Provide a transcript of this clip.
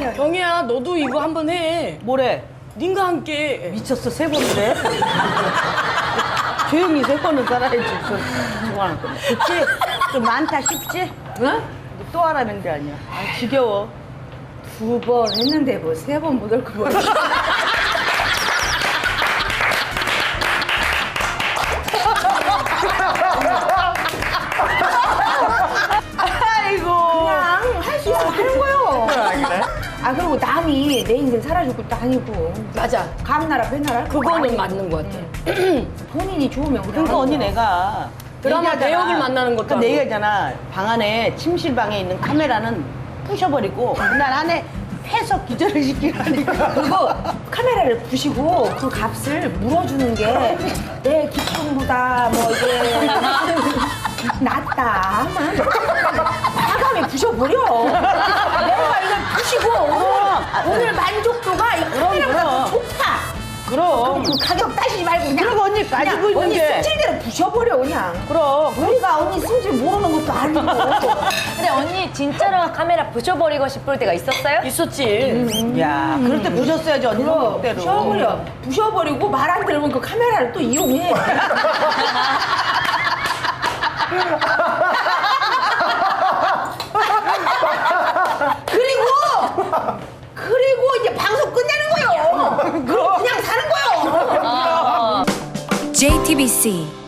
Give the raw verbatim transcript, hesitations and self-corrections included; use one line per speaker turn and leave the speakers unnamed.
아니야.
경희야, 너도 이거 한번 해.
뭐래?
님과 함께.
미쳤어, 세 번을 해? 조용히 세 번은 살아야지. 좋아하는 거. 그치? 좀 많다 싶지? 응? 또 하라는 게 아니야. 아, 지겨워.
두 번 했는데 뭐 세 번 못 올 거.
아이고.
그냥 할 수 있으면 하는 거요.
그래?
아 그리고 남이 내 인생 살아줄 것도 아니고.
맞아.
감나라 배나라 할 것도
그거는
아니고.
맞는 것 같아.
본인이 좋으면 그냥
그러니까
하는
언니
거야.
내가
드라마
얘기하잖아.
배역을 만나는 것도
그러니까
아니고.
내가 있잖아. 방 안에 침실방에 있는 카메라는 부셔버리고 그날 안에 해서 기절을 시키라니까.
그리고 카메라를 부시고 그 값을 물어주는 게 내 기쁨보다 뭐 이게 낫다. 과감히 부셔버려. 내가 이걸 부시고 오늘, 오늘 만족도가 이 카메라보다 더 좋다.
그럼.
그 가격 따지지 말고 그냥
그리고 언니 가지고
그냥
있는
언니
게.
승질대로 부셔버려 그냥.
그럼.
우리가 언니 승질 모르는 것도 아니고.
근데 언니 진짜로 카메라 부셔버리고 싶을 때가 있었어요?
있었지.
야, 그럴 때 부셨어야지 언니
그럼
성격대로.
부셔버려. 부셔버리고 말 안 들으면 그 카메라를 또 이용해. 그리고 그리고 이제 방송 끝내는 거요. 그럼 그냥 사는 거요.
어, 어.
제이티비씨